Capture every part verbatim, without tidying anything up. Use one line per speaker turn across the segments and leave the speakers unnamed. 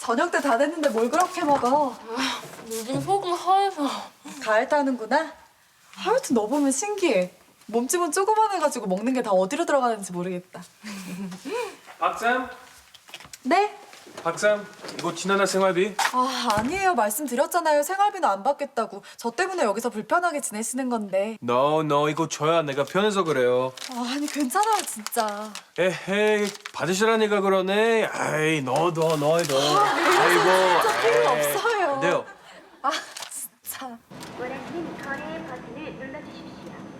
저녁 때 다 됐는데 뭘 그렇게 먹어?
요즘 속이 하얘서.
가을 타는구나? 하여튼 너 보면 신기해. 몸집은 조그만해가지고 먹는 게 다 어디로 들어가는지 모르겠다.
박쌤?
네?
박쌤, 이거 지난달 생활비?
아, 아니에요. 말씀드렸잖아요. 생활비는 안 받겠다고. 저 때문에 여기서 불편하게 지내시는 건데.
No, no, 이거 줘야 내가 편해서 그래요.
아, 아니 괜찮아요, 진짜.
에헤이, 받으시라니까 그러네. 아이, 너도, 너도. 아이고,
진짜 필요
에이.
없어요.
안 돼요.
아, 진짜.
원하시는 거래 버튼을 눌러주십시오.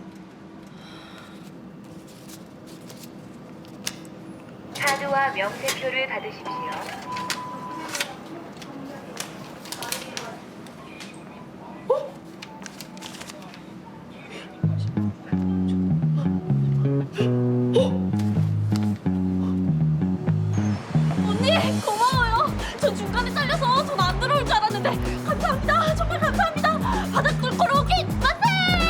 카드와 명세표를 받으십시오.
언니 고마워요. 저 중간에 잘려서 돈 안 들어올 줄 알았는데 감사합니다. 정말 감사합니다. 바닥 뚫고 오기 만세!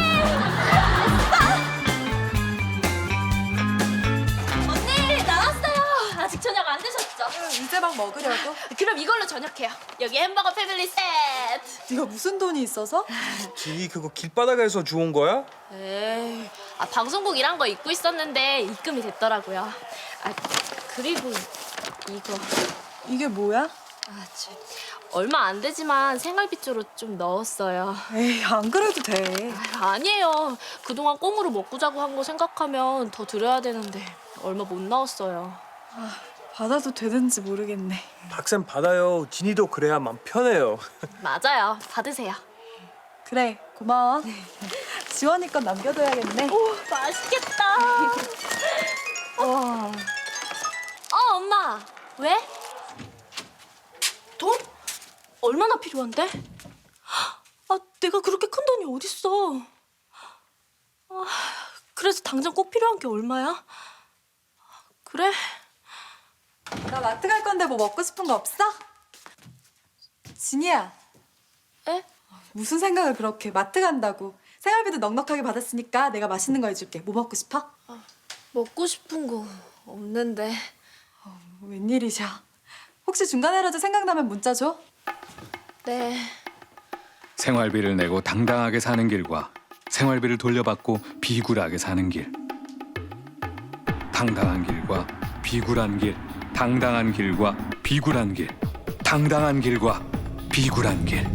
언니 나왔어요. 아직 저녁 안 드셨죠?
이제 막 먹으려고?
그럼 이걸로 저녁해요. 여기 햄버거 패밀리 세트.
네가 무슨 돈이 있어서?
지 그거 길바닥에서 주운 거야?
에이, 아, 방송국 일한 거 잊고 있었는데 입금이 됐더라고요. 아, 그리고 이거
이게 뭐야?
아, 참, 얼마 안 되지만 생활비 쪽으로 좀 넣었어요.
에이, 안 그래도 돼.
아, 아니에요. 그동안 꽁으로 먹고 자고 한 거 생각하면 더 드려야 되는데 얼마 못 넣었어요.
받아도 되는지 모르겠네.
박쌤 받아요. 진이도 그래야 마음 편해요.
맞아요. 받으세요.
그래, 고마워. 지원이 건 남겨둬야겠네.
오, 맛있겠다.
와,
어, 엄마. 왜? 돈? 얼마나 필요한데? 아, 내가 그렇게 큰 돈이 어딨어. 아, 그래서 당장 꼭 필요한 게 얼마야? 그래?
나 마트 갈 건데 뭐 먹고 싶은 거 없어? 진이야,
에?
무슨 생각을 그렇게 마트 간다고. 생활비도 넉넉하게 받았으니까 내가 맛있는 거 해줄게. 뭐 먹고 싶어?
먹고 싶은 거 없는데.
웬일이셔. 혹시 중간에라도 생각나면 문자 줘.
네.
생활비를 내고 당당하게 사는 길과 생활비를 돌려받고 비굴하게 사는 길. 당당한 길과 비굴한 길. 당당한 길과 비굴한 길. 당당한 길과 비굴한 길.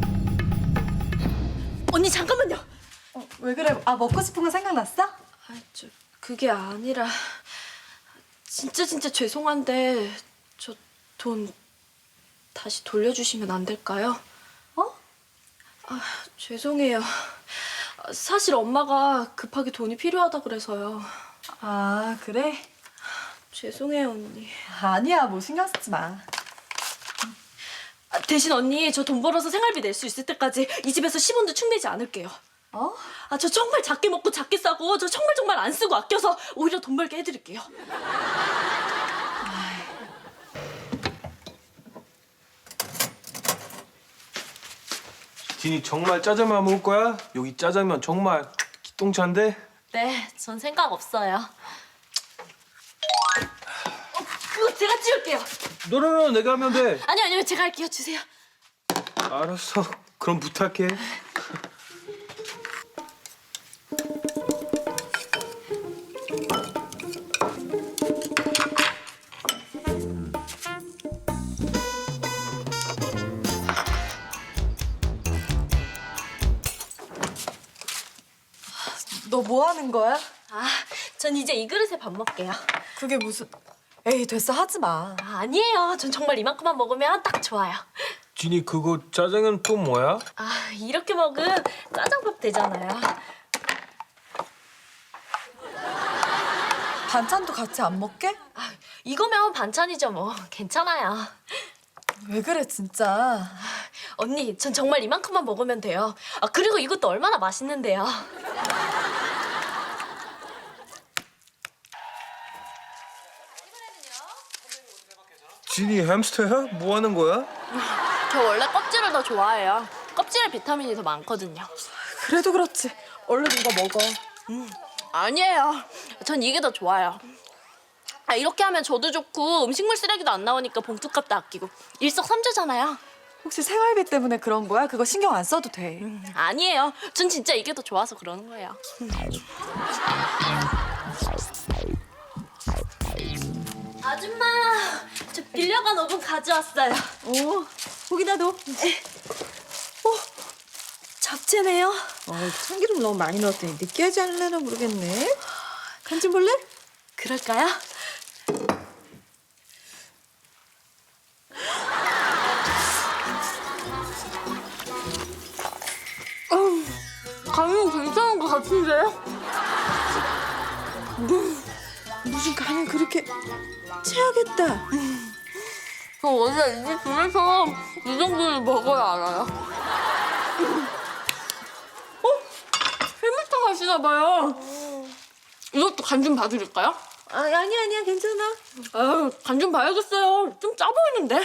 언니 잠깐만요.
어, 왜 그래? 아, 먹고 싶은 거 생각났어?
아, 저 그게 아니라 진짜 진짜 죄송한데 저 돈 다시 돌려주시면 안 될까요?
어?
아, 죄송해요. 아, 사실 엄마가 급하게 돈이 필요하다 그래서요.
아, 그래?
죄송해요, 언니.
아니야, 뭐 신경 쓰지 마.
아, 대신 언니 저 돈 벌어서 생활비 낼 수 있을 때까지 이 집에서 십 원도 축내지 않을게요.
어?
아, 저 정말 작게 먹고 작게 싸고 저 정말 정말 안 쓰고 아껴서 오히려 돈 벌게 해드릴게요.
진이 정말 짜장면 먹을 거야? 여기 짜장면 정말 기똥차인데?
네, 전 생각 없어요. 어, 그거 제가 치울게요.
너너너 내가 하면 돼.
아니요, 아니요, 제가 할게요. 주세요.
알았어. 그럼 부탁해.
너 뭐 하는 거야?
아, 전 이제 이 그릇에 밥 먹게요.
그게 무슨... 에이, 됐어, 하지 마.
아, 아니에요. 전 정말 이만큼만 먹으면 딱 좋아요.
진이 그거 짜장면 또 뭐야?
아, 이렇게 먹으면 짜장밥 되잖아요.
반찬도 같이 안 먹게?
아, 이거면 반찬이죠 뭐. 괜찮아요.
왜 그래, 진짜.
언니, 전 정말 이만큼만 먹으면 돼요. 아, 그리고 이것도 얼마나 맛있는데요.
진이 햄스터야? 뭐 하는 거야?
저 원래 껍질을 더 좋아해요. 껍질에 비타민이 더 많거든요.
그래도 그렇지. 얼른 이거 먹어.
아니에요. 전 이게 더 좋아요. 아, 이렇게 하면 저도 좋고 음식물 쓰레기도 안 나오니까 봉투값도 아끼고 일석삼조잖아요.
혹시 생활비 때문에 그런 거야? 그거 신경 안 써도 돼.
음, 아니에요. 전 진짜 이게 더 좋아서 그러는 거예요. 아줌마, 저 빌려간 오븐 가져왔어요.
오, 거기다 둬.
어, 잡채네요.
어, 참기름 너무 많이 넣었더니 느끼하지 않으려나 모르겠네. 간 좀 볼래?
그럴까요? 음, 간은 괜찮은 것 같은데요?
무슨 간을 그렇게 채하겠다.
저 원래 이 집 중에서 이 정도를 먹어야 알아요. 어? 해물탕 하시나 봐요. 이것도 간 좀 봐드릴까요?
아, 아니야, 아니야, 괜찮아.
아유, 간 좀 봐야겠어요. 좀 짜 보이는데.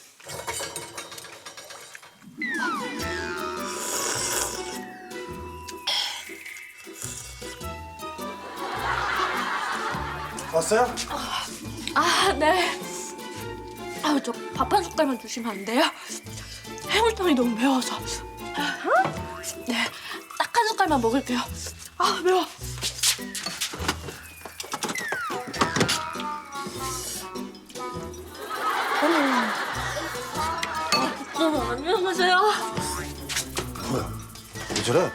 왔어요?
아, 네. 아유, 저 밥 한 숟갈만 주시면 안 돼요? 해물탕이 너무 매워서. 네, 딱 한 숟갈만 먹을게요. 아, 매워. 어머, 안녕하세요.
뭐야? 왜 저래?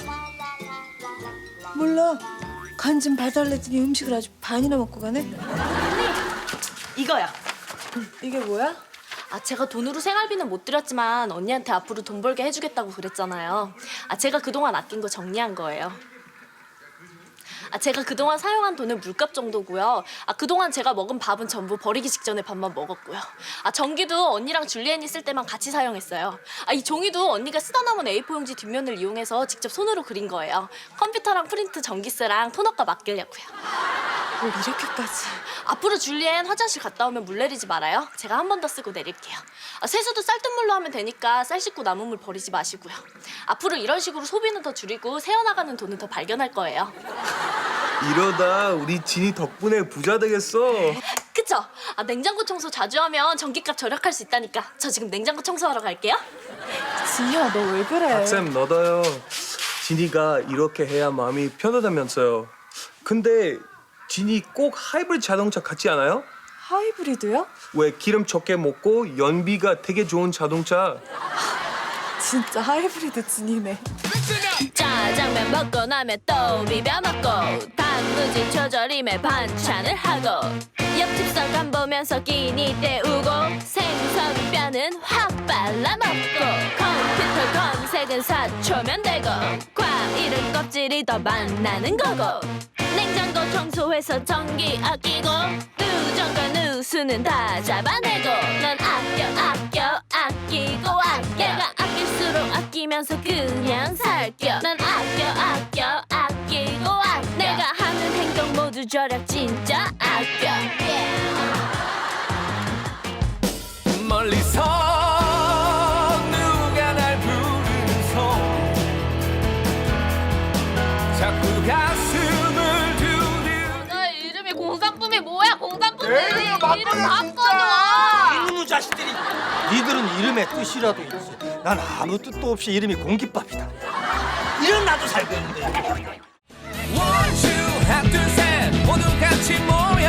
몰라. 간 좀 봐달랬더니 음식을 아주 반이나 먹고 가네.
이거요.
이게 뭐야?
아, 제가 돈으로 생활비는 못 드렸지만 언니한테 앞으로 돈 벌게 해주겠다고 그랬잖아요. 아, 제가 그동안 아낀 거 정리한 거예요. 아, 제가 그동안 사용한 돈은 물값 정도고요. 아, 그동안 제가 먹은 밥은 전부 버리기 직전에 밥만 먹었고요. 아, 전기도 언니랑 줄리엔이 쓸 때만 같이 사용했어요. 아, 이 종이도 언니가 쓰다 남은 에이포 용지 뒷면을 이용해서 직접 손으로 그린 거예요. 컴퓨터랑 프린트, 전기세랑 토너값 아끼려고요.
뭘 이렇게까지.
앞으로 줄리엔 화장실 갔다 오면 물 내리지 말아요. 제가 한 번 더 쓰고 내릴게요. 아, 세수도 쌀뜨물로 하면 되니까 쌀 씻고 남은 물 버리지 마시고요. 앞으로 이런 식으로 소비는 더 줄이고 새어나가는 돈은 더 발견할 거예요.
이러다 우리 진이 덕분에 부자 되겠어.
그쵸? 아, 냉장고 청소 자주 하면 전기값 절약할 수 있다니까. 저 지금 냉장고 청소하러 갈게요.
진이야, 너 왜 그래?
박쌤 너도요. 진이가 이렇게 해야 마음이 편하다면서요. 근데 진이 꼭 하이브리드 자동차 같지 않아요?
하이브리드요?
왜 기름 적게 먹고 연비가 되게 좋은 자동차.
진짜 하이브리드 진이네.
짜장면 먹고 나면 또 비벼 먹고 단무지 조절임에 반찬을 하고 옆집 서간 보면서 끼니 때우고 생선 뼈는 확 발라 먹고 컴퓨터 검색은 사 초면 되고 과일은 껍질이 더 맛나는 거고 냉장고 청소해서 전기 아끼고 누전과 누수는 다 잡아내고 난 아껴 아껴 아끼고 아껴 내가 아낄수록 아끼면서 그냥 살겨 난 아껴 아껴 아끼고 아껴 내가 하는 행동 모두 절약 진짜 아껴
멀리서 누가 날 부르는 손 자꾸 가슴을 두드려
너 이름이 공산품이 뭐야 공산품이
에이, 바꿔줘,
이름
진짜!
바꿔줘
이놈의 자식들이 니들은 이름에 뜻이라도 있지. 난 아무 뜻도 없이 이름이 공깃밥이다. 이런 나도 살겠는데.
원, 투, 하나, 둘, 셋 모두 같이 모여